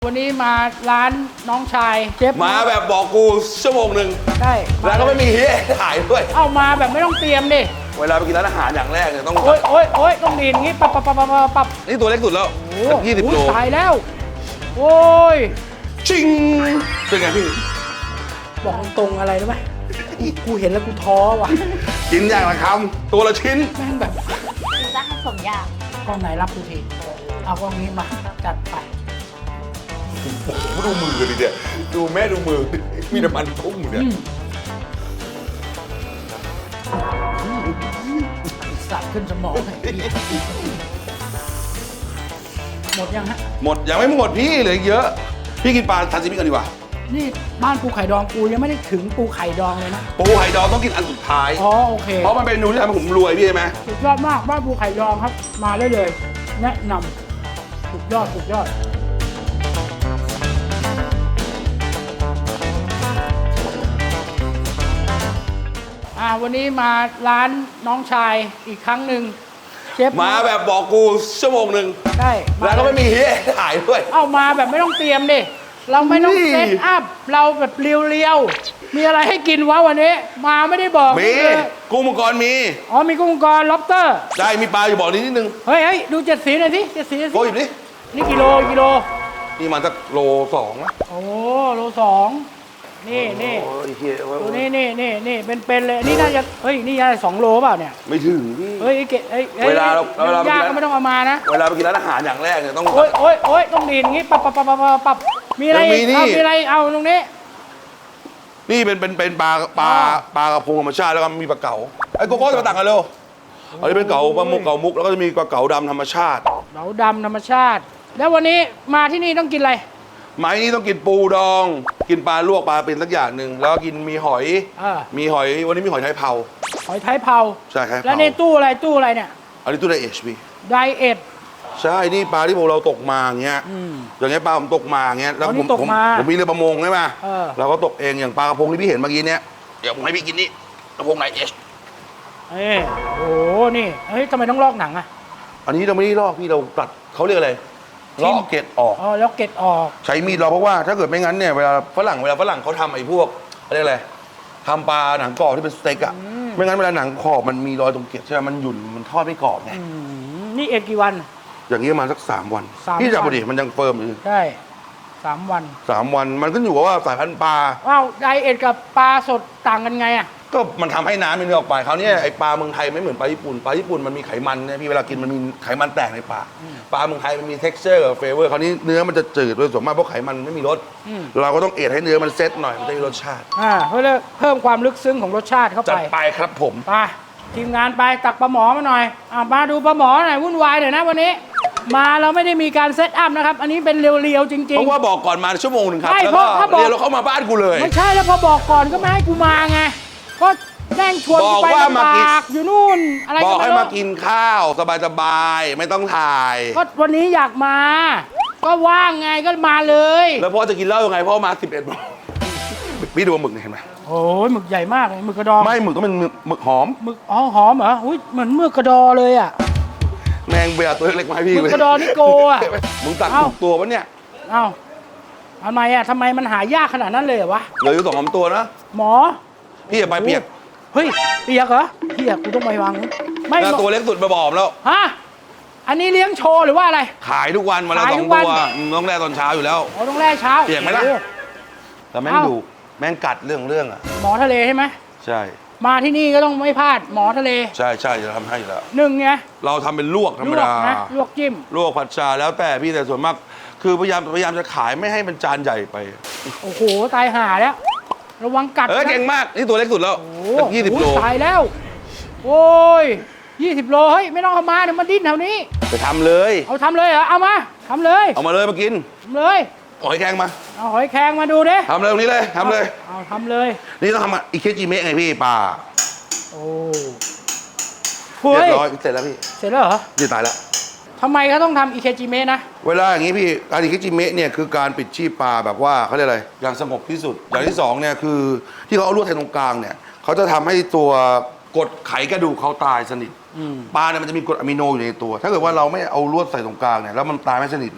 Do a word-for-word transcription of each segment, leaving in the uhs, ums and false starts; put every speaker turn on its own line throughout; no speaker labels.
วันนี้มาร้านน้องชายเชฟ
มาแบบบอกกูชั่วโมงหนึ่ง
ใช่
แล้วก็ไม่มีเฮียถ่ายด้วย
เอามาแบบไม่ต้องเตรียมดิ
เวลาไปกินร้านอาหารอย่างแรกเนี่ยต้อง
โอ๊ยโอ๊ยโอ๊ยต้องดีนงี้ปับปับปับปับปับ
นี่ตัวเล็กสุดแล้วยี่สิบโล
ตายแล้วโอ้ย
ชิงเป็นไงพี่
บอกตรงอะไรรู้ไหมกูเห็นแล้วกูท้อว่ะ
กินอย่างละคำตัวละชิ้น
แม่งแบบ
กินซะให้สมอยาก
กล้องไหนรับดูทีเอากล้องนี้มาจัดไป
ดูมือดิเนี่ยดูแม่ดูมือมีน้ำมันพุ่งเนี่ย
สับขึ้นสมองหมดยังฮะ
หมดยังไม่หมดพี่เหลือเยอะพี่กินปลาทาซิมิกันดีกว่า
นี่บ้านปูไข่ดองกูยังไม่ได้ถึงปูไข่ดองเลยนะ
ปูไข่ดองต้องกินอันสุดท้าย
อ๋อโอเค
เพราะมันเป็นเมนูที่ทำให้ผมรวยพี่ใช่ไหม
สุดยอดมากบ้านปูไข่ดองครับมาได้เลยแนะนำสุดยอดสุดยอดอ่าวันนี้มาร้านน้องชายอีกครั้งหนึ่งเชฟ
มาแบบบอกกูชั่วโมงหนึ่ง
ใช่
แล้วก็ไม่มีเฮียถ่ายด้วย
เอามาแบบไม่ต้องเตรียมดิเราไม่ต้องเซตอัพเราแบบเรียวๆมีอะไรให้กินวะวันนี้มาไม่ได้บอก
มีกุ้งมังกรมี
อ๋อมีกุ้งมังกรล็อบสเตอร์
ใช่มีปลาอยู่บอกนิดนิดนึง
เฮ้ยเฮ้ยดูเจ็ดสีหน่อยสิเจ็ดสี
โอ้ยนี่
นี่กิโลกิโล
นี่มันสักโลสองนะ
โอ้โลสองนี่นี่ตัวนี้นี่นี่นี่เป็นๆเลยนี่น่าจะเฮ้ยนี่น่าจะสองโลเปล่าเนี่ย
ไม่ถึงพี่
เฮ้ยเกะ
เวลาเราเวลา
ย่างก็ไม่ต้องเอามานะ
เวลาไปกินร้านอาหารอย่างแรกเนี่ยต้อง
โอ๊ยโอ๊ยโอ๊ยต้องดีนงี้ปับปับปับปับปับมีอะไรเอามีอะไรเอาตรงนี้
นี่เป็นเป็นเป็นปลาปลาปลากระพงธรรมชาติแล้วก็มีปลาเก๋าไอ้โกโก้จะมาตักกันเร็วอันนี้เป็นเก๋าปลาหมึกเก๋ามุกแล้วก็จะมีปลาเก๋าดำธรรมชาติ
เก๋าดำธรรมชาติแล้ววันนี้มาที่นี่ต้องกินอะไร
ไม้นี้ต้องกินปูดองกินปลาลวกปลาเป็นสักอย่างหนึ่งแล้วก็กินมีหอยมีหอยวันนี้มีหอยไทยเผา
หอยไทยเผา
ใช่ครับ
แล้วในตู้อะไรตู้อะไรเนี่ย
อันนี้ตู้ไดเอชพี
ไดเอท
ใช่นี่ปลาที่ผมเราตกมาอย่างเงี้ยอย่างเงี้ยปลาผมตกมาอย่างเงี้ยแล้วผมผมผมมีเรือประมงใช่ไหมเราก็ตกเองอย่างปลากระพงที่พี่เห็นเมื่อกี้เนี้ยเดี๋ยวผมให้พี่กินนี่กระพงไดเอช
เอ้โอ้นี่เฮ้ยทำไมต้องลอกหนังอ่ะ
อันนี้เราไม่ได้ลอกพี่เราตัดเขาเรียกอะไรลอกเกล็ดออก
อ๋อลอกเกล็ดออก
ใช้มีดเราเพราะว่าถ้าเกิดไม่งั้นเนี่ยเวลาฝรั่งเวลาฝรั่งเขาทำไอ้พวกอะไรอะไรทำปลาหนังกรอบที่เป็นสเต็กอะไม่งั้นเวลาหนังขอบมันมีรอยตรงเกล็ดใช่ไหมมันหยุ่นมันทอดไม่กรอบไง
นี่เอ็ดกี่วัน
อย่างนี้ประมาณสักสามวันพี่จับพอดีมันยังเฟิร์มอยู่
ใช่สามวัน
สามวันมันก็อยู่กับว่าสายพันธุ์ปลา
ว้าวไดเอทกับปลาสดต่างกันไงอะ
ก็มันทำให้น้ำมันเลือออกไปเขาเนี่ยไอปลาเมืองไทยไม่เหมือนปลาญี่ปุ่นปลาญี่ปุ่นมันมีไขมันเนี่ยพี่เวลากินมันมีไขมันแตกในปากปลาเมืองไทยมันมี texture กับ flavor คราวนี้เนื้อมันจะจืดโดยส่วนมากเพราะไขมันไม่มีรสเราก็ต้องเอทให้เนื้อมันเซตหน่อยมันจะมีรสชาติ
อ่าเพื่อเพิ่มความลึกซึ้งของรสชาติเข้าไป
จัดไปครับผม
ไปทีมงานไปตักปลาหมอมาหน่อยอ่ามาดูปลาหมอหน่อยวุ่นวายหน่อยนะวันนี้มาเราไม่ได้มีการเซตอัพนะครับอันนี้เป็นเรียวๆจริงๆ
เพราะว่าบอกก่อนมาชั่วโมงหนึ่งครับแล้วก็เรียวเราเข้ามาบ้านกูเลย
ไม่ใช่แล้วพอบอกก่อนก็ไม่ให้กูมาไงก็แจ้งชวนไปลำบากอยู่นู่นอะไร
บอกให้มากินข้าวสบายๆไม่ต้องถ่าย
ก็วันนี้อยากมาก็ว่างไงก็มาเลย
แล้วพ่อจะกินเหล้ายังไงพ่อมาสิบเอ็ดโมงพี่ดูหมึกเห็นไหม
โอ้ยหมึกใหญ่มากเลยหมึกกระดอง
ไม่หมึกก็เป็นหมึกหอม
หมึกอ๋อหอมเหรออุ้ยเหมือนหมึกกระดอเลยอ่ะ
แมงเบียตัวเล็กๆมาให้พี่
หมึกกระดอนี่โกอ่ะ
มึงตัดถูกตัวปะเนี่ย
เอ้าทำไมอ่ะทำไมมันหายากขนาดนั้นเลยเหรอวะ
เหลืออยู่สองสามตัวนะ
หมอ
พี่อย่าไปเปียก
เฮ้ยเปียกเหรอเปียกกูต้องไปวาง
ไม่ตัวเล็กสุดมาบอมแล้ว
ฮะอันนี้เลี้ยงโชว์หรือว่าอะไร
ขายทุกวันวันละสองตัวต้องแล่ตอนเช้าอยู่แล้ว
อ๋อต้องแล่เช้า
เปียกไหมล่ะแต่แม่งดุแม่งกัดเรื่องเรื่องอ่ะ
หมอทะเลใช่ไหม
ใช่
มาที่นี่ก็ต้องไม่พลาดหมอทะเล
ใช่ใช่จะทำให้อยู่แล้ว
หนึ่งไง
เราทำเป็นลวกธรรมดา
ลวกจิ้ม
ลวกผัดชาแล้วแต่พี่แต่ส่วนมากคือพยายามพยายามจะขายไม่ให้มันจานใหญ่ไป
โอ้โหตายห่าแล้วระวังกัด
เออเก่งมากนี่ตัวเล็กสุดแล้วยี่สิบโล
ตายแล้วโอ้ยยี่สิบโลเฮ้ยไม่ต้องเอามาเดี๋ยวมันดิ้นแถวนี้
ไปทำเลย
เอาทำเลยเหรอเอามาทำเลย
เอามาเลยมากิน
ทำเลย
หอยแครงมา
เอาหอยแครงมาดูดิ
ทำเลยตรงนี้เลยทำเลย
เอาทำเลย
นี่ต้องทำอิเคจิเมะไงพี่ปลา
โอ้
เรียบร้อยเสร็จแล้วพี่
เสร็จแล้วเหรอ
นี่ตายแล้ว
ทำไมเขาต้องทำอิเคจิเมะนะ
เวลาอย่างนี้พี่การอิเคจิเมะเนี่ยคือการปิดชีพปลาแบบว่าเขาเรียกอะไรอย่างสงบที่สุดอย่างที่สองเนี่ยคือที่เขาเอาลวดแทงตรงกลางเนี่ยเขาจะทำให้ตัวกดไขกระดูกเขาตายสนิทปลาเนี่ยมันจะมีกรดอะมิโนอยู่ในตัวถ้าเกิดว่าเราไม่เอาลวดใส่ตรงกลางเนี่ยแล้วมันตายไม่สนิทเนี่ย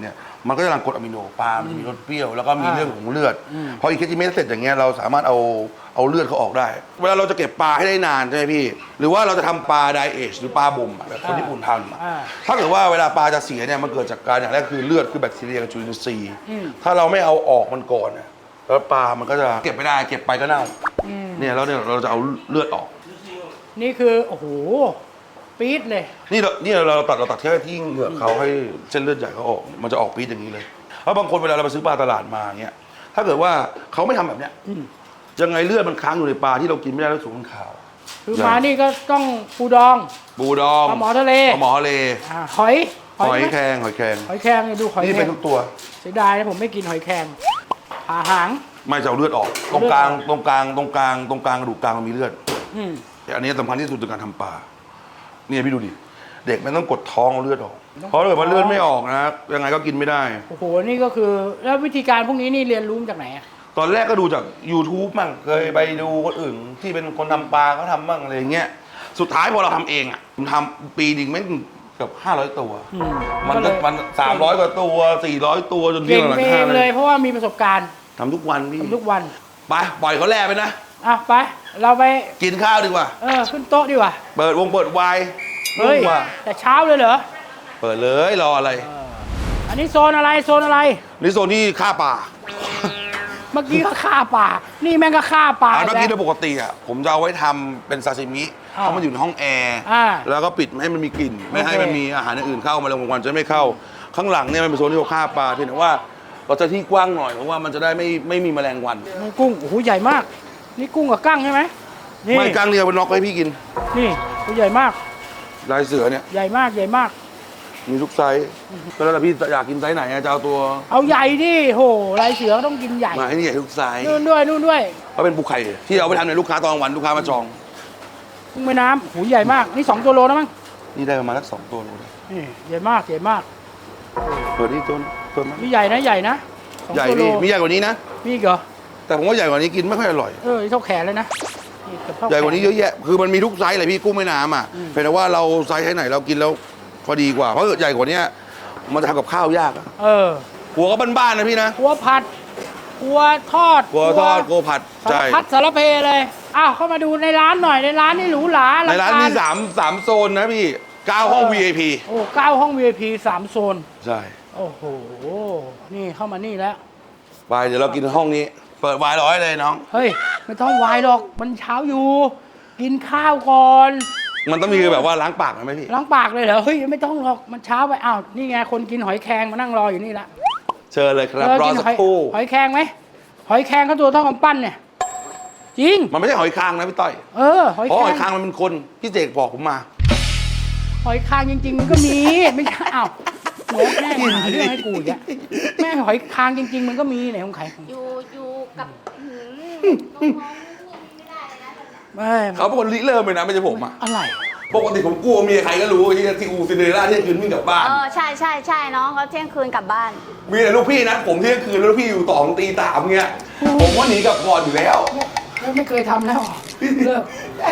มันก็จะหลั่งกรดอะมิโนปลามันจะมีรสเปรี้ยวแล้วก็มี
อ่า
เรื่องของเลือด
อืม
พออีเคจิเมะเสร็จอย่างเงี้ยเราสามารถเอาเอาเลือดเขาออกได้ เวลาเราจะเก็บปลาให้ได้นานใช่ไหมพี่ หรือว่าเราจะทำปลาไดเอชหรือปลาบ่มอะแบบคนญี่ปุ่นทำอะ
อ่า
ถ้าเกิดว่าเวลาปลาจะเสียเนี่ยมันเกิดจากการอย่างแรกคือเลือดคือแบคทีเรียกับจุลินทรีย์
อืม
ถ้าเราไม่เอาออกมันก่อนเนี่ยแล้วปลามันก็จะเก็บไม่ได้เก็บไปก็เน่าเนี่ยแล้วเนี่ยเราจะเอาเลือดออก
นี่คือโอ้โหปี๊ดเลย
นี่เรานี่เราตัดเราตัดแค่ที่เหงือกเขาให้เส้นเลือดใหญ่เขาออก มันจะออกปี๊ดอย่างนี้เลยเพราะบางคนเวลาเราไปซื้อปลาตลาดมาเงี้ยถ้าเกิดว่าเขาไม่ทำแบบเนี้ยยังไงเลือดมันค้างอยู่ในปลาที่เรากินไม่ได้แล้วสูงมันขาว
คือมานี่ก็ต้องปูดอง
บูดอง
ปลาหมอทะเล
ปลาหมอทะเล
อ่าหอย
หอย
ไหม
แครงหอยแครง
หอยแครงเนี่ยดูหอย
นี่
แคร
เป็น
ง
ทุกตัว
เสียดายนะผมไม่กินหอยแครงผ่าหาง
ไม่จะเอาเลือดออก ตรงกลางตรงกลางตรงกลางตรงกลางกระดูกกลางมันมีเลือด
อืม
แต่อันนี้สำคัญที่สุดในการทำปลาเนี่ยพี่ดูดิเด็กมันต้องกดท้องเอาเลือดออกเพราะถ้าเกิดมันเลือดไม่ออกนะยังไงก็กินไม่ได้
โอ้โหนี่ก็คือแล้ววิธีการพวกนี้นี่เรียนรู้มาจากไหนอะ
ตอนแรกก็ดูจาก YouTube มั่งเคยไปดูคนอื่นที่เป็นคนทำปลาเขาทำบ้างอะไรอย่างเงี้ยสุดท้ายพอเราทำเองอ่ะผมทำปีหนึ่งแม่งเกือบห้าร้อยตัว
อืม
มัน
ก็
ก็
เลย
มันสามร้อยกว่าตัวสี่ร้อยตัวจนที่
เก่ง
หลัง
เอ
ห้าง
เลยเพราะว่ามีประสบการณ์
ทำทุกวันพี่
ทำทุกวัน
ไปปล่อยเขาแล่ไปนะ
อ่ะไปเราไป
กินข้าวดีกว่า
เออขึ้นโต๊ะดีกว่า
เปิดวงเปิดไวน์
เฮ้ย
ว่า
แต่เช้าเลยเหรอ
เปิดเลยรออะไร
อันนี้โซนอะไรโซนอะไร
นี่โซนที่ฆ่าปลา
เมื่อกี้ก็ฆ่าป่า นี่แม่งก็ฆ่าป่า
อ่าเมื่อกี้โด
แล้ว
ยปกติอ่ะผมจะเอาไว้ทำเป็นซาซิมิ
อ่า
เพราะมันอยู่ในห้องแอร์
อ่า
แล้วก็ปิดไม่ให้มันมีกลิ่น ไม่ให้
โอเค
มันมีอาหารอย่างอื่นเข้ามาแล้วกลางวันจะไม่เข้า ข้างหลังเนี่ยมันเป็นโซนที่เราฆ่าปลาเพียงแต่ว่าเราจะที่กว้างหน่อยเพราะว่ามันจะได้ไม่ไม่มีแมลงวัน
นี่กุ้งโอ้โหใหญ่มาก นี่กุ้งกับกั้งใช่ไหมนี่
ไม่กลางเรียวเป็นน็อกให้พี่กิน
นี่ตัวใหญ่มาก
ลายเสือเนี่ย
ใหญ่มากใหญ่มาก
มีทุกไซส์ก็แล้วแต่พี่อยากกินไซส์ไหนอะจะเอาตัว
เอาใหญ่ดิโหลายเสือก็ต้องกินใหญ่
มาให้นี่ใหญ่ทุกไซส์
นู่นด้วยนู่นด้วย
เพราะเป็นปูไข่ที่เอาไปทำในลูกค้าตอนกลางวันลูกค้ามาจอง
กุ้งแม่น้ำโหใหญ่มากนี่สองตัวโลนะมั้ง
นี่ได้ประมาณสักสองตัวเลย
นี่ใหญ่มากใหญ่มาก
เปิดนี่ตัวเปิดมา
นี่ใหญ่นะใหญ่นะสอง
ใหญ่
ตัวโล
พี่มีใหญ่กว่านี้นะ
มีอีกเหรอ
แต่ผมว่าใหญ่กว่านี้กินไม่ค่อยอร่อย
เออเท่าแขนเลยนะนี่เกือบเท่า
ใหญ่กว่านี้
แข
เยอะแยะ คือมันมีทุกไซส์เลยพี่กุ้งแม่น้ำอ่ะ
อืม
เพียงแต่ว่าเราไซส์ไหนเรากินแล้วพอดีกว่า เพราะใหญ่กว่านี้มันจะทำกับข้าวยากอะ
เออ
หัวก็บ้านๆนะพี่นะ
หัวผัดหัวทอด
หัวทอดโกผัด
สาร
ใช่
พัดสารเพเลยอ้าวเข้ามาดูในร้านหน่อยในร้านนี่หรูหรา
ในร้านมี
อลังก
สามสามโซนนะพี่เก้าห้อง วี ไอ พี
โอ้เก้าห้อง วี ไอ พี สามโซน
ใช่
โอ้โห นี่เข้ามานี่แล้ว
ไปเดี๋ยวเรากินห้องนี้ เปิดวายร้อยเลยน้อง
เฮ้ย ไม่ต้องวายหรอก มันเช้าอยู่ กินข้าวก่อน
มันต้องมีแบบว่าล้างปากไหมพี่
ล้างปากเลยเหรอ เฮ้ย ไม่ต้องหรอก มันเช้าไป อ้าว นี่ไง คนกินหอยแครงมานั่งรออยู่นี่ละ
เชิญเลยครับ
เออ
รอ
กิน
สัก
หอย
ครู่
หอยแครงไหม หอยแครงเขาตัวเท่ากำปั้นเนี่ย จริง
มันไม่ใช่หอยคางนะพี่ต้อย
เออ หอย
เพราะ
แคร
หอยคาง งมันเป็นคนพี่เจกบอกผมมา
หอยคางจริง ๆ มันก็มี ไม่ใช่อ้าวโง่แม่งหาเรื่องให้กูอีกอะแม่งหอยคางจริง ๆ มันก็มีไหนของใคร
อยู่อยู่กับหืมน้องๆไม่ได้เลยนะ
ไม่
เขาเป็นคนริเริ่มเลยนะไม่ใช่ผมอะ
อะไร
ปกติผมกลัวเมียใครก็รู้ที่ที่อูซินเดอเรลล่าเที่ยงคืนวิ่งกลับบ้าน
เออใช่ใช่ใช่น้องเขาเที่ยงคืนกลับบ้าน
มีแต่ลูกพี่นะผมเที่ยงคืนแล้วลูกพี่อยู่ต่อถึงตีสามเงี้ยผมว่าหนีกลับก่อนอยู่แล้ว
ไม่ไม่เคยทำแล้วเลิก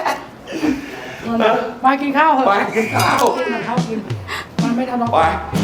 มากินข้าวเถอะ
ไปกินข้าว
กินข้าวกิน มันไม่ทำน้อง
ไป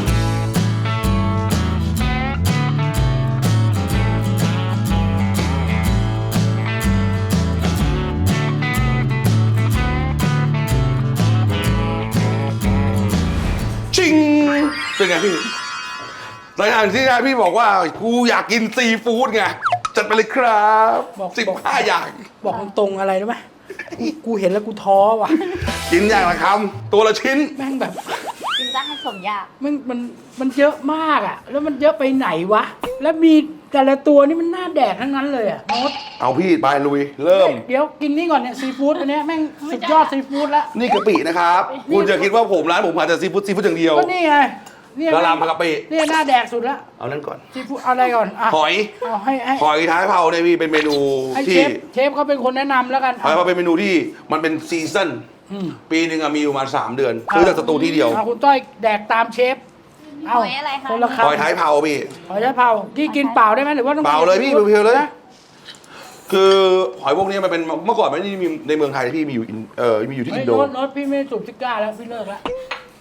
ชิงเป็นไงพี่ในทางที่พี่บอกว่ากูอยากกินซีฟู้ดไงจัดไปเลยครับสิบห้าอย่าง
บอกตรงๆอะไรรู้ไหมกูกูเห็นแล้วกูท้อว่ะ
กินอย่างละคำตัวละชิ้น
แม่งแบบ
กินซะให้สมอยาก
มันมันมันเยอะมากอ่ะ แล้วมันเยอะไปไหนวะ แล้วมีแต่ละตัวนี่มันน่าแดกทั้งนั้นเลยอ่ะโน้ต
เอาพี่ไปลุย เริ่ม
เดี๋ยวกินนี่ก่อนเนี่ยซีฟู้ดอันเนี้ยแม่งสุดยอดซีฟู้ดแล้ว
นี่กะปินะครับ
นี่
คุณจะคิดว่าผมร้านผมขายแต่ซีฟู้ดซีฟู้ดอย่างเดียว
ก็นี่ไงเนี่ย
กะหล่ำผักกะปิ
เนี่ยน่าแดกสุดละ
เอานั่นก่อน
ซีฟู้ดเอาอะไรก่อนอ่ะ
หอย
เอาให้ให้
หอยท้ายเผาเนี่ยพี่เป็นเมนู
ให้เช
ที่
ฟเชฟเขาเป็นคนแนะนำแล้วกัน
หอยเผาเป็นเมนูที่มันเป็นซีซั่น
อืม
ปีหนึ่งอะมีอยู่ประมาณสามเดือนซื้อจากสตูที่เดียว
อาคุณต้อยแดกตามเชฟ
หอยอะไรคะ
คนละ
หอย
คำ
ท้ายเผาพี่
หอยท้ายเผาที่กินเปล่าได้ไหมหรือว่าต้อง
เปล่าเลยพี่เพียวๆเลย
นะ
คือหอยพวกนี้มันเป็นเมื่อก่อนไม่ได้มีในเมืองไทยที่มีอยู่อินเออมีอยู่ที่
เฮ้
อิ
ย
นโด
โน้ตโน้ตพี่ไม่สูบซิก้าแล้วพี่เลิกแล้ว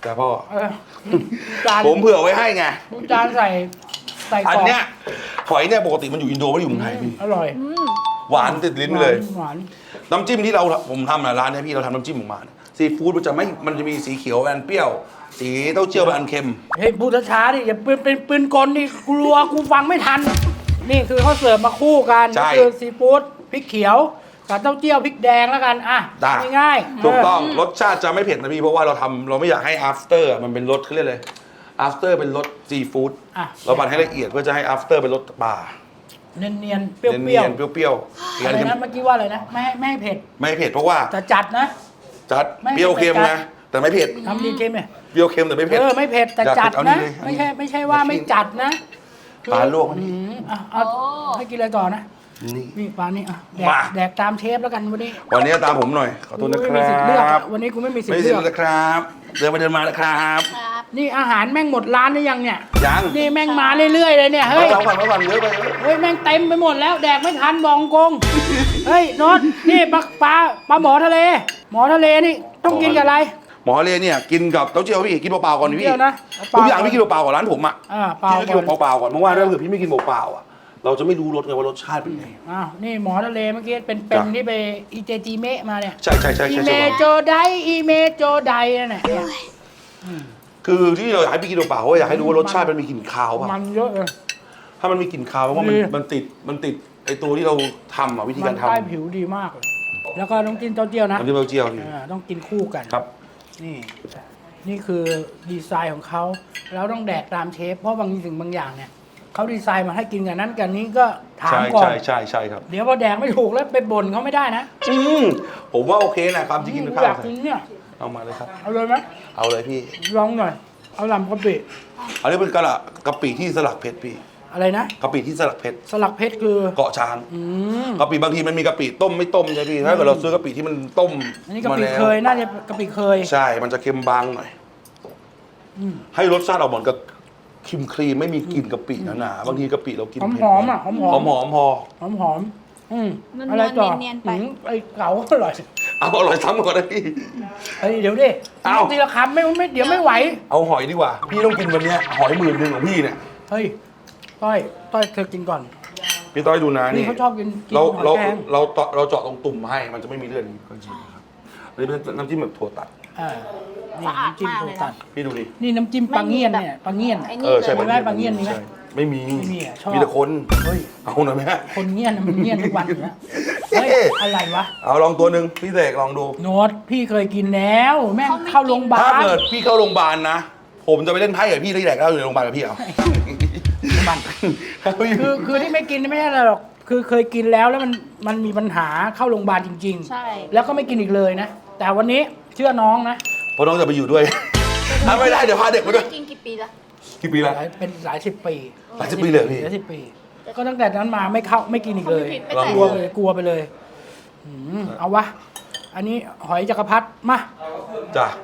แต่พ่อ
เออจาน
ผมเผื่อไว้ให้ไง
จานใส่ใส่ก
อั
ร
น
อบ
เนี้ยหอยเนี่ยปกติมันอยู่อินโดไม่ได้อยู่เมืองไทยพี่
อร่อย
หวานติดลิ้นเลย
หวาน
น้ำจิ้มที่เราผมทำนะร้านเนี้ยพี่เราทำน้ำจิ้มออกมาเนี่ยซีฟู้ดมันจะไม่มันจะมีสีเขียวอันเปรี้ยว สีเต้าเจี้ยวเป็นอันเค็ม
เฮ้ยพูดช้าๆดิอย่าเป็นเป็นปืนกลนี่กลัวกูฟังไม่ทัน นี่คือเขาเสิร์ฟมาคู่กัน
ใช่
ก็คือซีฟู้ดพริกเขียวกับเต้าเจี้ยวพริกแดงแล้วกันอ่ะ
ได้
ง่ายๆ
ถูกต้อง
เ
รสชาติจะไม่เผ็ดนะพี่เพราะว่าเราทำเราไม่อยากให้ after อะมันเป็นรสเขาเรียกเลย after เป็นรสซีฟู้ด
อ่ะ
เราปั่นให้ละเอียดเพื่อจะให้ after เป็นรสปลา
เนียนๆเปรี้ยว
เนียนๆเปรี้ยวๆ
ๆอะไรนะเมื่อกี้ว่าอะไรนะไม่ให้ไม่ให้เผ็ด
ไม่เผ็ดเพราะว่า
แต่จัดนะ
จัด
ไม่
เปรี้ยวเค็ม
ไม่จัด
นะแต่ไม่เผ็ด
ทำดีเค็มเนี่ย
เปรี้ยวเค็มแต่ไม่เผ็ด
เออไม่เผ็ดแต่
อยาก
จัด
เอา
นะ
นี่เลย
ไม่ใช่ไม่ใช่ว่าไม่จัดนะ
ปลาลวกอัน
อื
นี้
มอ่ะเอาให้กินอะไรก่อนนะ
นี่
นี่ปลานี่อ่ะแดก
มา
แดกตามเชฟแล้วกันวันนี้
วันนี้ตามผมหน่อยขอโทษนะ
กู
ค
ไม่มีสิทธิ์เลือก
รั
อะ
บ
วันนี้กูไม่มีสิท
ไม่
ธิ์
สิ
เลือก
นะครับ เดินไปเดินมานะครับ
ครับ
นี่อาหารแม่งหมดร้านหรือยังเนี่ย
ยัง
นี่แม่งมาเรื่อยๆเลยเนี่ย
เฮ้
เฮ้
ย
ย
เอาก่อนเอาก่อนเยอะไปเยอะ
เฮ้ยแม่งเต็มไปหมดแล้วแดกไม่ทันบองกง เฮ้ยโน็อตนี่ปลาปลาปลาหมอทะเล หมอทะเลนี่ต้องกินกับอะไร
หมอเลเนี่ยกินกับเต้าเจี้ยวพี่กินเปล่าๆก่อนดิพี่
เดี๋ยวนะเป
ทุ
ล่าก
อย่างพี่กินเปล่าๆก่อนร้านผมอ่ะ
อ่าเปล่า
พี่ก็
ก่
กิ
อน
นเปล่าๆก่อนเพราะว่าถ้าเกิดพี่ไม่กินเปล่าๆอ่ะเราจะไม่รู้รสไงว่ารสชาติเป็นไง
อ้าวนี่หมอทะเลเมื่อกี้เป็นเป็น
จ้ะ
ที่ไปอีเจจีเมะมาเนี่ย
ใช่ใช่ใช่
อี
ใช่
เม
ใช่
โจไดอีเมโจไดนั่นแหละเนี่ย
คือที่เราอยากให้พี่กินเปล่าๆเพราะว่าอยากให้รู้ว่ารสชาติมันมีกลิ่นคาวป่ะ
มันเยอะเลย
ถ้ามันมีกลิ่นคาวเพราะว่ามัน
ดี
มันติดมันติดไอตัวที่เราทำอ่ะวิธี
มั
การ
น
ทำ
ใต้ผิวดีมากเลยแล้วก็ต้องกินเต้าเจี้ยวนะ
น้ำจิ้มเต้าเจี้ยวพี่
อ่าต้องกินคู่กัน
ครับ
นี่ นี่คือดีไซน์ของเขาแล้วต้องแดกตามเชฟ เพราะบางสิ่งบางอย่างเนี่ยเขาดีไซน์มาให้กินกันนั้นกันนี้ก็ถาม
ใช่
ก่อน
ใช่ใช่ใช่ครับ
เดี๋ยวพอแดกไม่ถูกแล้วไปบ่นเขาไม่ได้นะ
อืมผมว่าโอเคนะความจริงกิน
กู
ข้า
อยาว กกินเนี่ย
เอามาเลยครับ
เอาเลยไหม
เอาเลยพี่
ลองหน่อย เอาลำกะปิ
อันนี้เป็นกะละกะปิที่สลักเพชรพี่
อะไรนะ
กะปิที่สลักเพชร
สลักเพชรคือ
เกาะช้าง
อืม
กะปิบางทีมันมีกะปิต้มไม่ต้มใช่พี่ถ้าเกิดเราซื้อกะปิที่มันต้ม
อันนี้กะ
มา
ปิ
แล้ว
เคยน่าจะกะปิเคย
ใช่มันจะเค็มบางหน่อย
อืม
ให้รสชาติออกเหมือนกับครีมครีมไม่มีกลิ่นกะปิหนาๆบางทีกะปิเรากิน
หอม
เผ็ด
หอมๆอ่ะหอมหอ
หอ
ม
มหอมๆพอ
หอมหอมๆอืม
นวลๆ
อะไรต่อ
เนียนๆไป
อืมไอ้เก๋าอร่อย
เอาอร่อยซ้ำก่อนนะพี่
เฮ้ยเดี๋ยวดิ
เอ้า
ทีละคำไม่ไม่เดี๋ยวไม่ไหว
เอาหอยดีกว่า พี่ต้องกินวันเนี้ยหอยหมื่นหนึ่งของพี่เนี่ย
เฮ้ย ต้อย ต้อยเธอกินก่อน
พี่ต้อยดูนะ
นี่
นี่
เขาชอบกินกิน
เรา
หอย
เรา
แครง
เราเจาะเราเจาะตรงตุ่มให้มันจะไม่มีเลือดนี้ก็จริงนะครับอันนี้เป็นน้ำจิ้มแบบถั่วตัด
อ่านี่
สะอาด
น้ำจิ้ม
มาก
โท
เลยนะ
ตัด
พี่ดูดิ
นี่น้ำจิ้มปลาเงี้ยนเนี่ยปลาเงี้ยน
ไอ้
อะ
นี่
เออใช่
เลย
มีไหมปลาเงี้ยนมีไหม
ใช่ไม่มี
ไม่มีอ่ะชอบ
มีแต่คน
เฮ้ย
เอาหน่อยไหมฮะ
คนเงี้ยนน่ะมันเงี้ยนทุกวันอยู่แล้วเฮ้ย อะไรวะ
เอาลองตัวหนึ่งพี่เสกลองดู
โน้ตพี่เคยกินแล้ว แม่งเข้าโรงพยาบา
ถ้า
ล
เกิดพี่เข้าโรงพยาบาลนะ ผมจะไปเล่นไพ่กับพี่ที่แดกเหล้าอยู่ในโรงพยาบาลกับพี่เอา
มัน คือคือที่ไม่กินไม่ใช่อะไรหรอก คือเคยกินแล้วแล้วมันมันมีปัญหาเข้าโรงพยาบาลจริง
ใช่
ๆ แล้วก็ไม่กินอีกเลยนะ แต่วันนี้เชื่อน้องนะ
เพราะน้องจะไปอยู่ด้วย ถ้าไม่ได้เดี๋ยวพาเด็กมาด้วย
กินกี่ปีละ
กี่ปี
ห
ละ
ลายเป็นหลายสิบปี
หลายสิบปีเลยเหรอพี่
หลายสิบปี ก็ตั้งแต่นั้นมาไม่เข้าไม่กินอีกเลย
เขาไม่ผิดไม่
กลัว
ใส่
ไป
เล
เลย ยกลัวไปเลยอืมเอาวะ อันนี้หอยจักรพรรดิมา
จ้ะ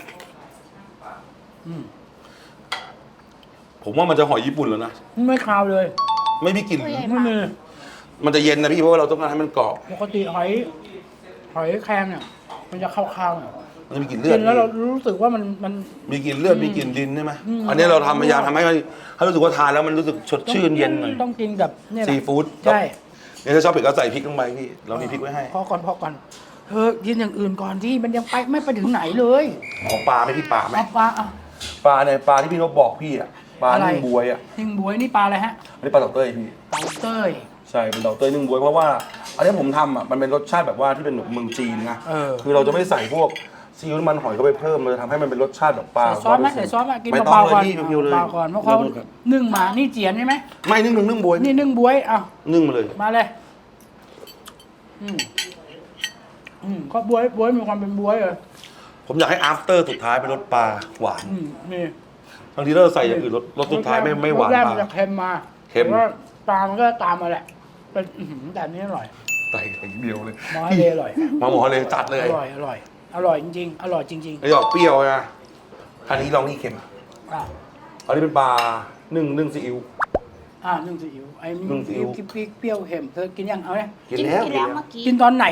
อืม
ผมว่ามันจะหอยญี่ปุ่นแล้วนะ
ไม่คาวเลย
ไม่มีกลิ่น
ไม่มี
มันจะเย็นนะพี่เพราะว่าเราต้องการให้มันกรอบ
ปกติหอย หอยแครงเนี่ยมันจะคาวๆเนี่ย
มันจะมีกลิ่นเลือ
กิ
ด
นแล้วเรารู้สึกว่ามันมัน
มีกลิ่นเลือดมีกลิ่นดินใช่ไหม
อืม
อันนี้เราทำพยายามทำให้ให้รู้สึกว่าทานแล้วมันรู้สึกสดชื่นเย็นหน่อย
ต้องกินกับเนี่ยแหละ
ซีฟู้ด
ใช่
เนี่ยถ้าชอบเผ็ดก็ใส่พริกลงไปพี่เรามีพริกไว้ให้
พอก่อนพอก่อนเธอกินอย่างอื่นก่อนที่มันยังไปไม่ไปถึงไหนเลย
ของปลาไหมพี่ปลาไหม
เอาปลาอ่ะ
ปลาเนี่ยปลาที่พี่เขาบอกพี่อ่ะปลา
อะไร
นึ่งบวยอ่ะ
หิงบวยนี่ปลาอะไรฮะ
อันนี้ปลาเต่าเต้ยพี่
เต่าเต้ย
ใช่เป็นเต่าเต้ยนึ่งบวยเพราะว่าอันนี้ผมทำอ่ะมันเป็นรสชาติแบบว่าที่เป็นแบบเมืองจีนนะ
เออ
คือเราจะไม่ใส่พวกซีอิ๊วน้ำมันหอยเข้าไปเพิ่มเราจะทำให้มันเป็นรสชาติแบบปลา
ใส่ซอสไหมใส่ซอสไหมกิน
ไม่
เบา
ต้อง
ๆ
เล
ก่อน
ยพี่เพียวๆเลย
เบาๆก่อนเพราะเขานึ่งมานี่เจียนใช่ไหม
ไม่นึ่งนึ่งนึ่งบวย
นี่นึ่งบวยเอา
นึ่งมาเลย
มาเลยอืมอืมก็บวยบวยมีความเป็นบวยเลย
ผมอยากให้ after สุดท้ายเป็นรสปลาหวาน
อืมนี่
บางทีเราใส่อย่างอื่นรสรสสุดท้ายไม่ไม่หวาน
รสแรก
ป
มันจะ
ลา
เค็มมา
เค็ม
แต่ว่าปลามันก็ตามมาแหละเป็นอื้อหือแต่อันนี้อร่อย
ใส่อย่างเดียวเลย
หมอทะเลอร่อย
มาหมอเลยจัดเลย
อร่อยอร่อยอร่อยจริงๆอร่อยจริง
ไอ้ดอกเปรี้ยวนะอันนี้ลองนี่เค็ม
ๆอ่ะ
อันนี้เป็นปลานึ่งนึ่งซีอิ๊ว
อ่านึ่งซีอิ๊วไอ้
นึ่งซีอิ๊ว
พริกเปรี้ยวเค็มเธอกินยังเอาเนี่ย
กินแล้ว
กินแล้วเมื่อกี้
กินตอนไหนวะ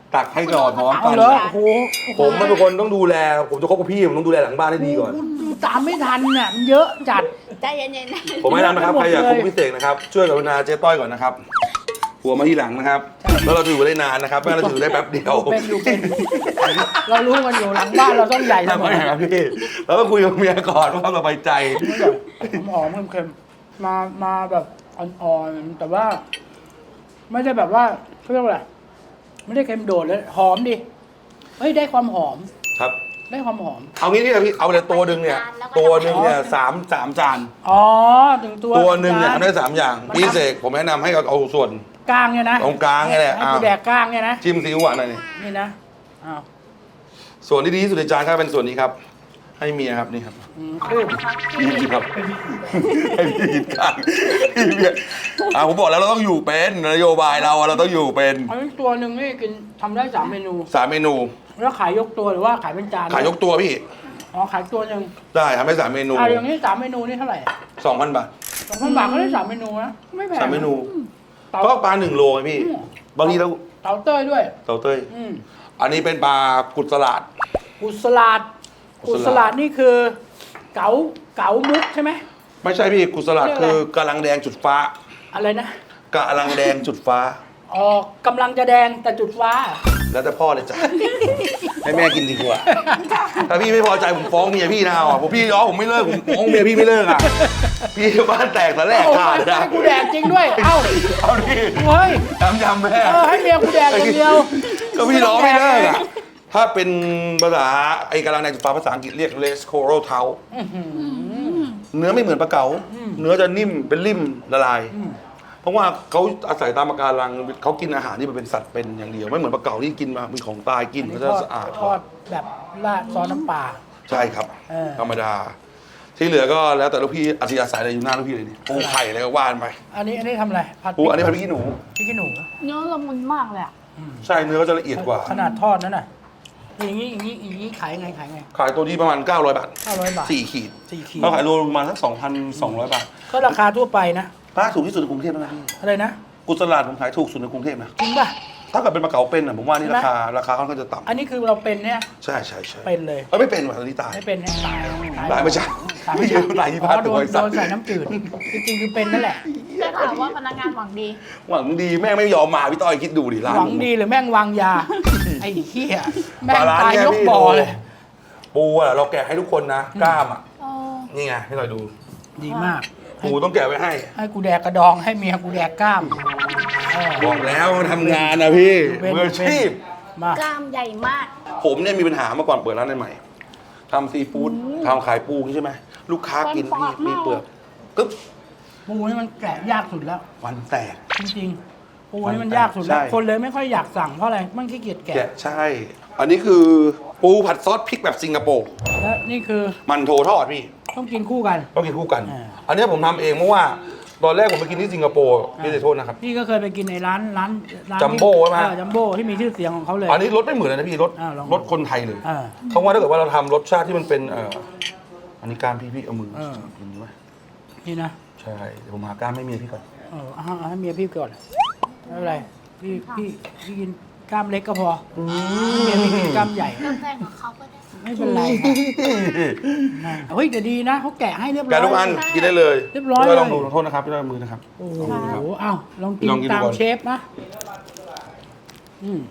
ตักให้ก่อนพร้อม
เอา
กัน
เหรอโอ้โห
ผมเป็นคนต้องดูแลผมจะคบกับพี่ผมต้องดูแลหลังบ้านให้ดีก่อน
ดูตามไม่ทันเนี่ยมันเยอะจัด
ใจเย็นๆนะ
ผมแนะนำนะครับใครอยากคบกับพี่เสกนะครับช่วยกรุณาเจ๊ต้อยก่อนนะครับหัวมาที่หลังนะครับแล้วเราจะอยู่ได้นานนะครับไม่งั้นเราจะอยู่ได้แป๊บเดียว
เป็นอยู่เป็น เรารู้กันอยู่หลังบ้านเราต้องใหญ่เส
ทำ
ม
ไม
อ
ครับพี่แล้วก็คุยกับเมียก่อนว่าเราสบายใจ
หอมๆเค็มๆมามาแบบอ่อนๆแต่ว่า ไม่ได้แบบว่าเขาเรียกว่าอะไรไม่ได้เค็มโดดเลยหอมดิเฮ้ยได้ความหอม
ครับ
ได้ความหอม
เอางี้นี่พี่เอาเลยตัวหนึ่งเนี่ยตัวหนึ่งเนี่ยสามสามจาน
อ๋อถึงตัว
ตัวหนึ่งเนี่ย
จา
ทำได้สามอย่างพี่เสกผมแนะนำให้เอาเอาส่วน
กลางเนี่ยนะ
ตรงกลางเนี่ยแหละ
ให้กูแดกกลางเนี่ยนะ
จิ้มซีอิ๊วหวานหน่อยนี่
นี่นะอ้าว
ส่วนที่ดีที่สุดในจานครับเป็นส่วนนี้ครับ ให้เมียครับนี่ครับ
อืมคือ
พี่กินครับให้พี่กินกลางให้เมียอ่าผมบอกแล้วเราต้องอยู่เป็นนโยบายเราเราต้องอยู่เป็น
อันนี้ตัวหนึ่งนี่กินทำได้สามเมนู
สามเมนู
แล้วขายยกตัวหรือว่าขายเป็นจาน
ขายยกตัวพี่
อ๋อขายตัวหนึ่ง
ได้ทำได้สามเมนู
อ่าอย่างนี้สามเมนูนี่เท่าไหร่
สองพันบาท
สองพันบาทก็ได้สามเมนูนะไม่แพง
สามเมนู
เตา
ก็ปลาหนึ่งโลไงพี่
อืม
บางทีเรา
เตาเต้ยด้วย
เต่าเต้ย
อืม
อันนี้เป็นปลากุดสลัด
กุสลาด
กุ
กุ
ศลาด
สลาดนี่คือ เก๋าเก๋ามุกใช่ไหม
ไม่ใช่พี่กุดสลัด
เรียกอะไร
คือกำลังแดงจุดฟ้า
อะไรนะ
กำลังแดงจุดฟ้า
อ๋อกำลังจะแดงแต่จุดฟ้า
แล้วแต่พ่อเลยจ้ะ ให้แม่กินดีกว่า ถ้าพี่ไม่พอใจผมฟ้องเมียพี่นะอ่ะผมพี่ย้อผมไม่เลิกผมฟ้องเมียพี่ไม่เลิกอ่ะ พี่บ้านแตกแต่แรกขาดเลยนะ
ให้กูแดกจริงด้วย เอ้า
เอาดิ
เฮ้ย
ยำยำแม่
เออให้เมียกูแดกอย่างเดียว
ก็พี่ร้องไม่เลิกอ่ะ ถ้าเป็นภาษาไอ้กำลังแดงจุดฟ้าภาษาอังกฤษเรียก Les Coral Tau เนื้อไม่เหมือนปลาเก๋าเนื้อจะนิ่มเป็นริ่มละลาย เพราะว่าเขาอาศัยตามปะการังเขากินอาหารที่มันเป็นสัตว์เป็นอย่างเดียวไม่เหมือนปลาเก๋าที่กินมามีของตายกินเขาจะสะอาด
ทอดแบบราดซอสน้ำปลา
ใช่ครับ
เออ
ธรรมดา ที่เหลือก็แล้วแต่ลูกพี่อัธยาศัยอะไรอยู่หน้าลูกพี่เลยนี่ปูไข่อะไรก็ว่านไป
อันนี้อันนี้ทำอะไรผัด
ปูอันนี้พันพริกขี้หนู
พริกขี้หนู
เนื้อละมุนมากเลยอ่ะ
ใช่เนื้อก็จะละเอียดกว่า
ขนาดทอดนั่นน่ะอย่างนี้อย่างนี้อย่างนี้ขายไงขายไง
ขายตัวที่ประมาณเก้าร้อยบาท
ห้าร้อยบาท
สี่ขีด
สี่ขีด
เราขายโลประมาณสักสองพันสองร้อยบาท
ก็ราคาทั่วไปนะ
ป้าถูกที่สุดในกรุงเทพแล้วนะพี่
อะไรนะ
กุศลาดผมขายถูกสุดในกรุงเทพนะ
จริงป่ะ
ถ้าเกิดเป็นปลาเก๋าเป็นอ่ะผมว่านี่
ใช่ไหม
ราคาราคาค่อนข้างจะต่ำ
อันนี้คือเราเป็นเนี่ย
ใช่ใช่ใช่
เป็นเลย
เออไม่เป็นว่ะตอนนี้ตาย
ไม่เป็นเนี่ยตาย
ตายไม่ใช่
ตาย
ไม่ใช่ตายที่
อ๋
บ้าน
อโด
ตัวน ไอ้
โด
สัต
น
ว์
ใส่น้ำจืดจริงๆคือเป็นนั่นแหละ
ได้ข่าวว่าพนักงานหวังดี
หวังดีแม่งไม่ยอมมาพี่ต้อยคิดดูดิร้าน
หวังดีหรือแม่งวางยา ไอ้เหี้ยแม่ง
ปลร้น
ตาย
เนี่
ยก
พี่
บ่อเลย
ปูอ่ะเราแกะให้ทุกคนนะกล้ามอ่ะ
เออ
นี่ไงให้เราดู
ดีมาก
ปูต้องแกะไว้ให้
ให้กูแดกกระดองให้เมียกูแดกกล้ามเออ
บอกแล้วทำงานนะพี่
เป็น
มืออาชีพ
มาก
ล้ามใหญ่มาก
ผมเนี่ยมีปัญหาเมื่อก่อนเปิดร้านใหม่ๆทำซีฟู้ดทำขายปูใช่ไหมลูกค้ากิน
ฟันป
พี่
อกมาก
มีเปลือกกึ๊บ
ปูนี่มันแกะยากสุดแล้ว
ฟันแตก
จริงๆ ปูนี่มันยากสุดแล้ว
ใช่
คนเลยไม่ค่อยอยากสั่งเพราะอะไร มันขี้เกียจแกะ
แกะใช่ อันนี้คือปูผัดซอสพริกแบบสิงคโปร์
และนี่คือ
มันโถทอดพี่
ต้องกินคู่กัน
ต้องกินคู่กัน
อ่า
อันนี้ผมทำเองเพราะว่า ตอนแรกผมไปกินที่สิงคโปร์พี่ขอโทษนะครับ
พี่ก็เคยไปกินในร้านร้านร้าน
จัมโบ้ใช่ไหม
เออจัมโบ้ที่มีชื่อเสียงของเขาเลย
อันนี้รสไม่เหมือนเลยนะพี่รส
อ่าลอง
รสคนไทยเลย
อ่า
เขาว่าถ้าเกิดว่าเราทำรสชาติที่มันเป็นเอ่ออันนี้การพี่พี่เอามือ
เออ
กินไหม
นี่นะ
ใช่เดี๋ยวผมหาการไม่เมียพี่ก่อน
เออเอาเอาให้เมียพี่ก่อนไม่เป็นไรพี่พี่พี่กินกล้ามเล็กก็พออเมียพี่กินกล้ามใหญ่
ก็แฟนของเขาก็ได้
ไม่เป็นไรค่ะเฮ้ยแต่ดีนะเขาแกะให้เรียบร้อย
แกะทุกอันกินได้เลย
เรียบร้อย
พี่ต้
เลย
ลองดูขอโทษนะครับพี่ต้อยมือนะครับ
โอ้โหเอ้าลองกิน
ลองกินดู
ตาม
ก่อน
เชฟนะ อืม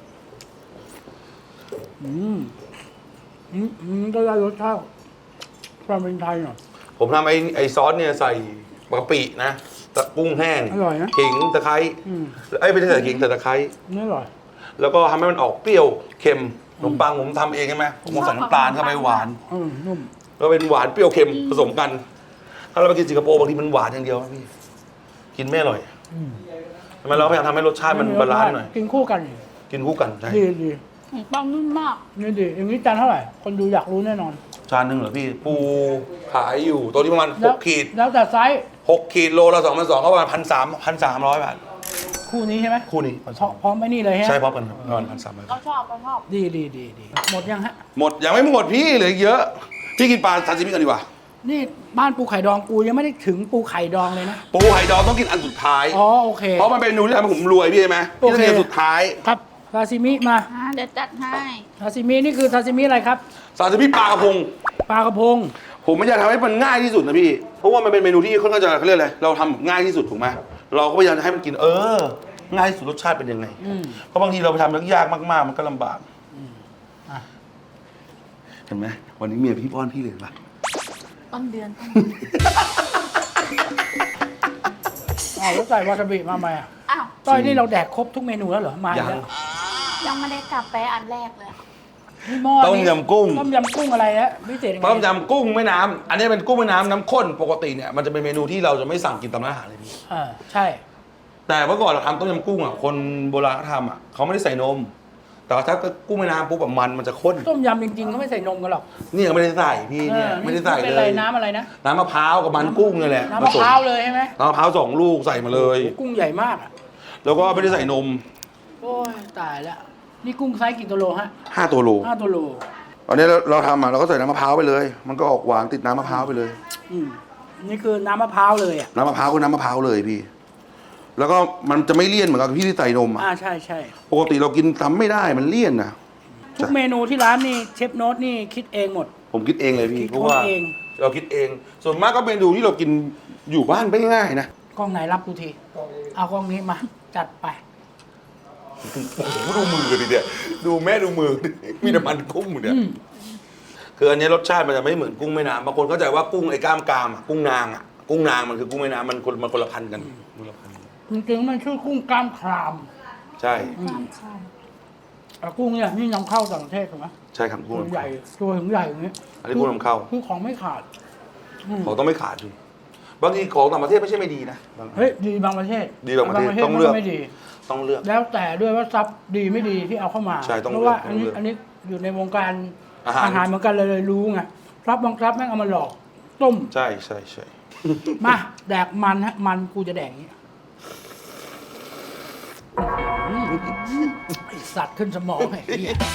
อืม อืมอืมก็ได้รสชาติความเป็นไทยหน่อย
ผมทำไอ้ไอ้ซอสเนี่ยใส่กะปินะตะกุ้งแห้ง
อร่อยนะ
ขิงตะไคร้
อืม
ไอ้ยไม่ใช่ใส่ขิงใส่ตะไคร้
นี่อร่อย
แล้วก็ทำให้มันออกเปรี้ยวเค็มขนมปังผมทำเองใช่ไหมผมใส่น้ำตาลเข้าไปหวาน
อืมนุ่ม
ก็เป็นหวานเปรี้ยวเค็มผสมกัน ถ้าเราไปกินสิงคโปร์บางทีมันหวานอย่างเดียวนะพี่ กินไม่อร่อย
อืม
ทำไมเราพยายามทำให้รสชาติมันบาลานซ์หน่อย
กินคู่กัน
กินคู่กันใช่
ดีดี
ขนมปังนุ่มมาก
นี่ดีอย่างนี้จานเท่าไหร่ คนดูอยากรู้แน่นอน
จานหนึ่งเหรอพี่ ปูขายอยู่ตัวนี้ประมาณห
แล้ว
กขีด
แล้วแต่ไซส์
หกขีดโลละสองพันสองก็ประมาณพันสามพันสามร้อยบาท
คู่นี้ใช่ไหม
คู่นี้
พร้อมพร้อมไอ้นี่เลยฮะ
ใช่พร้อมกันครับประมาณพันสามร้อย
ก็ชอบก็ชอบ
ดีดีดีดีหมดยังฮะ
หมดยังไม่หมดพี่เหลืออีกเยอะ พี่กินปลาซาซิมิกันดีกว่า
นี่บ้านปูไข่ดองกูยังไม่ได้ถึงปูไข่ดองเลยนะ
ปูไข่ดองต้องกินอันสุดท้าย
อ๋อโอเค
เพราะมันเป็นเมนูที่ทำให้ผมรวยพี่ใช่ไหมพี่ต้องกินอันสุดท้าย
ครับซาซิมิมา
อ่าเดี๋ยวจัดให้
ซาซิมินี่คือซาซิมิอะไรครับ
ซาซิมิปลากระพง
ปลากระพง
ผมไม่อยากทำให้มันง่ายที่สุดนะพี่ เพราะว่ามันเป็นเมนูที่ค่อนข้างจะเขาเรียกอะไรเราทำแบบง่ายที่สุดถูกไหมเราก็พยายามจะให้มันกิน เออ ง่ายที่สุดรสชาติเป็นยังไง
อืม
เพราะบางทีเราไปทำยากๆมากๆ มันก็ลำบาก
อ่ะ
เห็นไหมวันนี้เมียพี่ป้อนพี่เลยปะ
ต้นเดือนต้น
อ้าวแล้วใส่วาซาบิมาไหมอ่ะ
อ้าว
ต้อยนี่เราแดกครบทุกเมนูแล้วเหรอมาอี
ยั
ก
ง
แล้ว
ยังไม่ได้กลับไปอันแรกเลย
นี่หม้อ
ต้มยำกุ้ง
ต้มยำกุ้งอะไรนะพิเศษยังไง
ต้มยำกุ้งแม่น้ำอันนี้เป็นกุ้งแม่น้ำน้ำข้นปกติเนี่ยมันจะเป็นเมนูที่เราจะไม่สั่งกินตามร้านอาหารเลยพี่
อ่าใช่
แต่เมื่อก่อนเราทำต้มยำกุ้งอ่ะคนโบราณเขาทำอ่ะเขาไม่ได้ใส่นม แต่ว่าถ้ากุ้งแม่น้ำปุ๊บแบบมันมันจะข้น
ต้มยำจริงๆเขาไม่ใส่นมกันหรอก
นี่ก็ไม่ได้ใส่พี่เนี่ย
ออ
ไม่ได้ใส่
เป็น
เล
อะไร
ย
น้ำอะไรนะ
น้ำมะพร้าวกับมันกุ้งนี่แหละ
น้ำมะพร้าวเลยใช่ไหม
น้ำมะพร้าวสองลูกใส่มาเลย
กุ้งใหญ่มากอ่ะ
แล้วก็ไม่ได้ใส่นม
โอ้ยตายแล้วนี่กุ้งไซส์กี่ตัวโลฮะ
ห้าตัวโล
ห้าตัวโล
ตอนนี้เราเราทำอ่ะเราก็ใส่น้ำมะพร้าวไปเลย มันก็ออกหวานติดน้ำมะพร้าวไปเลย
อืมนี่คือน้ำมะพร้าวเลยอ่ะ
น้ำมะพร้าวก็น้ำมะพร้าวเลยพี่ แล้วก็มันจะไม่เลี่ยนเหมือนกับพี่ที่ใส่นมอ่ะ
อ่าใช่ใช่
ปกติเรากินทำไม่ได้มันเลี่ยนนะ
ทุกเมนูที่ร้านนี่เชฟโน้ตนี่คิดเองหมด
ผมคิดเองเลยพี่
คิด
เพราะว่า
เอง
เราคิดเอง ส่วนมากก็เมนูที่เรากินอยู่บ้านไม่ง่ายนะ
กล้องไหนรับกูทีเอากล้องนี้มาจัดไป
โอ้โหดูมือดิเนี่ยดูแม่ดูมือ มีน้ำมันกุ้งอยู่เนี่ย
อืม
คืออันนี้รสชาติมันจะไม่เหมือนกุ้งแม่น้ำบางคนเข้าใจว่ากุ้งไอ้กล้ามกรามอะกุ้งนางอะกุ้งนางมันคือกุ้งแม่น้ำมันคนมันคนละพันธุ์กันคนละพันธุ์
จริงๆมันชื่อกุ้งกล้ามคราม
ใช่
แต่กุ้งเนี่ยนี่นำเข้าต่างประเทศถูกไหม
ใช่ครับกุ้ง
ตัวใหญ่ตัวถึงใหญ่อย่างนี้
อันนี้กุ้งนำเข้า
คือของไม่ขาดอืม
ของต้องไม่ขาดดูบางทีของต่างประเทศไม่ใช่ไม่ดีนะบางอัน
เฮ้ยดีบางประเทศ
ดีบางประเทศต้องเลือก
มันไม่ดี
ต้องเลือก
แล้วแต่ด้วยว่าซับดีไม่ดีที่เอาเข้ามา
ใช่ต้อง
เพราะว่า
เลื
อั
อก
นนี้
ต้องเลือก
อันนี้อยู่ในวงการ
อาหาร
อาหารเหมือนกันเลยเลยรู้ไงซับบางซับแม่งเอามาหลอก ต้ม
ใช่ใช่ใช่
มาแดกมันฮะมันกูจะแดกอย่างนี้อื้อหือไอสัตว์ขึ้นสมองไอ้เหี้ย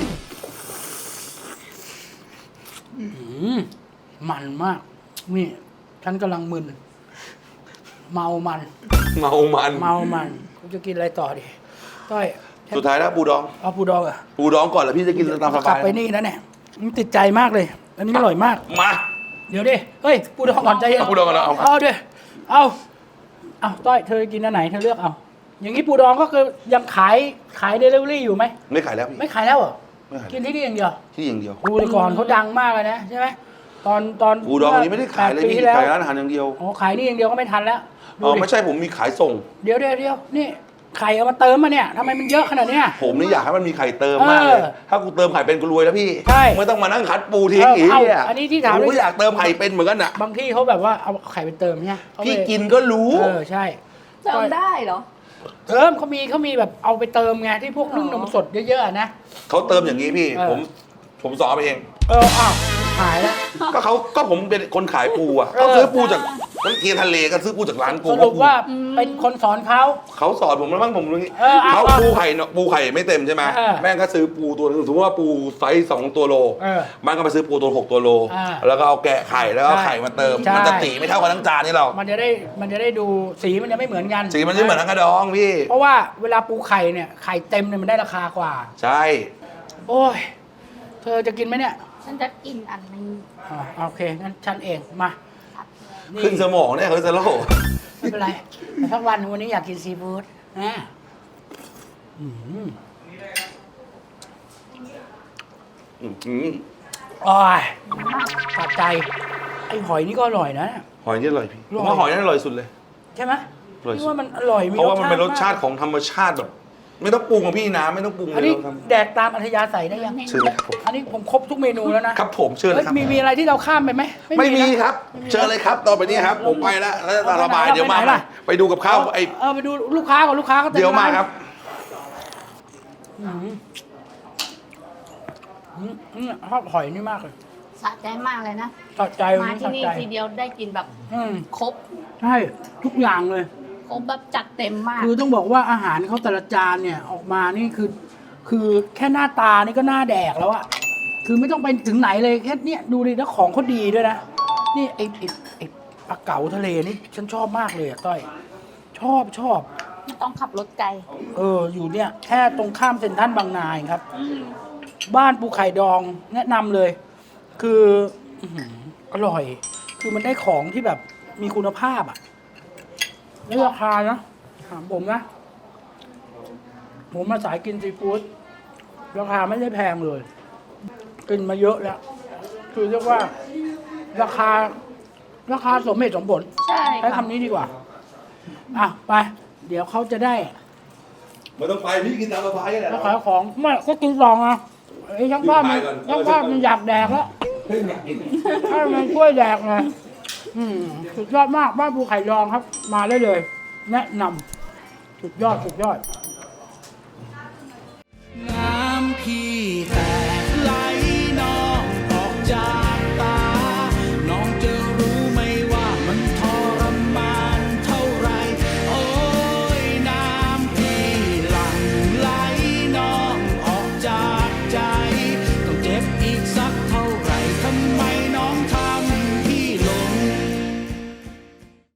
อื้อหือมันมาก นี่ฉันกำลังมึน เมามัน
เมามัน
เมามันกูจะกินอะไรต่อดีต้อยฉัน
สุดท้ายแล้วปูดอง
เอาปูดองเหรอะ
ปูดองก่อนแล้วพี่จะกินตามส
กลั
บา
บ
ย
ไปนี่นะเนี่ยมันติดใจมากเลย อันนี้อร่อยมาก
มา
เดี๋ยวดิ เฮ้ย ปูดองก่อนใจเย็น
เอาปูดองก่อนนะเอา
เอาดิเอา เอาต้อย เธอกินอันไหน เธอเลือกเอา อย่างนี้ปูดองก็คือยังขายขายเดลิเวอรี่อยู่ไหม
ไม่ขายแล้วพี่
ไม่ขายแล้วเหรอ
ไม่ขาย
กินที่นี่อย่างเดียว
ที่อย่างเดียว
ปูแต่ก่อนเขาดังมากเลยนะใช่ไหมตอนตอน
ปูดองอันนี้ไม่ได้ขายเลย
แปปี
พี่
ที่แล้ว
ขายร้านอาหารอย่างเดียว
อ๋อขายนี่อย่างเดียวก็ไม่ทันแล้วดู
อ๋อ
ดิ
ไม่ใช่ผมมีขายส่ง
เดี๋ยวเดี๋ยวเดี๋ยวนี่ไข่เอามาเติมมาเนี่ยทำไมมันเยอะขนาดเนี้ย
ผมนี่อยากให้มันมีไข่เติมมากเลย
เออ
ถ้ากูเติมไข่เป็นกูรวยแล้วพี่
ใช่
ไม่ต้องมานั่งคัดปูทิ้ง
เออ
อีก
เอา
เนี่ย
อันนี้ที่ถาม
กูก็อยากเติมไข่เป็นเหมือนกันอ่ะ
บางที่เขาแบบว่าเอาไข่ไปเติมเนี่ยเขาไป
พี่กินก็รู้
เออใช่
เติมได้เหรอ
เติมเขามีเขามีแบบเอาไปเติมไงที่พวกนึ่งนมสดเยอะๆอะนะ
เขาเติมอย่างนี้พี่
เออ
ผมผมสอนไปเอง
เอออ้าวหายแล้ว
ก็เขาก็ผมเป็นคนขายปูอ่ะ
เออ
ก็ซื้อปูจากน้ำเทียนทะเลก็ซื้อปูจากร้านปู
สรุปว่าเป็นคนสอนเขา
เขาสอนผมแล้วบ้างผมรู้งี้
เออเอา
เขา
เอา
ปูไข่เนอะปูไข่ไม่เต็มใช่ไหม
เออ
แม่งก็ซื้อปูตัวหนึงสมมติว่าปูไซส์สองตัวโล
เออ
มันก็ไปซื้อปูตัวหกตัวโล
อ่า
แล้วก็เอาแกะไข่แล้วก็เอา
ใช่
ไข่มาเติม
ใช่
มันจะสีไม่เท่ากันทั้งจานนี่หรอก
มันจะได้มันจะได้ดูสีมันจะไม่เหมือนกัน
สีมันจะเหมือนทั้งกระดองพี่
เพราะว่าเวลาปูไข่เนี่ยไข่เต็มเนี่ยมันได้ราคากว่า
ใช่
โอ้ยเธอจะกินไหมเนี่ย
ฉันจะกินอันนี้
อ่าโอเคงั้นฉันเองมานี่
ขึ้นสมองเนี่ยเขาจะโลก
ไม่เป็นไรแต่สักวันวันนี้อยากกินซีฟู้ดนะอืม
อื้อหือ
โอ้ยสะใจ ไอ้หอยนี่ก็อร่อยนะ
หอยนี่อร่อยพี่
อร่อย
ผมว่าหอยนี่อร่อยสุดเลย
ใช่ไหม
อร่อยสุด
พี่ว่ามันอร่อยมี
เพราะว่ามันเป็นรสชาติ
มก
ของธรรมชาติแบบ ไม่ต้องปรุงกับพี่นะไม่ต้องปรุง
อัน
เลย
นี้
เราท
แดกตามอัธยาศัยได้ยัง
ำเชิญเลยครับผม
อันนี้ผมครบทุกเมนูแล้วนะครับ
ผมเชิญเลย
เฮ้ย
ครับ
มีมีอะไรที่เราข้ามไปไหม
ไม่มี
นะครับ
เชิญเลยครับต่อไปนี้ครับผมไปแล้วแล้วตาระบาย
เราไปไหน
เดี๋ยวมา
เราไปไหนล่ะ
ไปดูกับข้าวไอ้
เออไปดูลูกค้าก่อนลูกค้าก็ต็
เดี๋ยวมาครับ
อืมอืมอืมชอบหอยนี่มากเลย
สะใจมากเลยนะ
สะใจ
มาที่
สะ
นี่
ใจ
ทีเดียวได้กินแบบ
อืม
ครบ
ใช่ทุกอย่างเลย
ครบแบบจัดเต็มมาก
คือต้องบอกว่าอาหารเขาแต่ละจานเนี่ยออกมานี่คือ คือแค่หน้าตานี่ก็น่าแดกแล้วอะคือไม่ต้องไปถึงไหนเลยแค่เนี้ยดูดิแล้วของเขาดีด้วยนะ นี่ไอ้ไอ้ไอ้ปลาเก๋าทะเลนี่ฉันชอบมากเลยอะต้อย ชอบชอบ
ไม่ต้องขับรถไกล
เออ อยู่เนี่ย แค่ตรงข้ามเซ็นทรัลบางนาเองครับ บ้านปูไข่ดองแนะนำเลย คืออื้อหืออร่อย คือมันได้ของที่แบบมีคุณภาพอ่ะในราคานะถามผมนะ ผมมาสายกินซีฟู้ดราคาไม่ได้แพงเลย กินมาเยอะแล้ว คือเรียกว่า ราคา ราคาสมเหตุสมผล
ใช่
ใช้
ค่ะ
คำนี้ดีกว่า อ่ะ ไป เดี๋ยวเขาจะได้
ไม่ต้องไปพี่กินตามสบายแหละ
แล้วขายของไม่ก็กินซองอ่ะไอ้ช่างภาพมัน
กินไปก่อน
ช่างภาพมันอยากแดกแล้ว
เฮ้ยอยากกิน
ให้มันช่วยแดกไงอืมสุดยอดมากบ้านภูไข่ดองครับ มาได้เลย แนะนำสุดยอดสุดยอด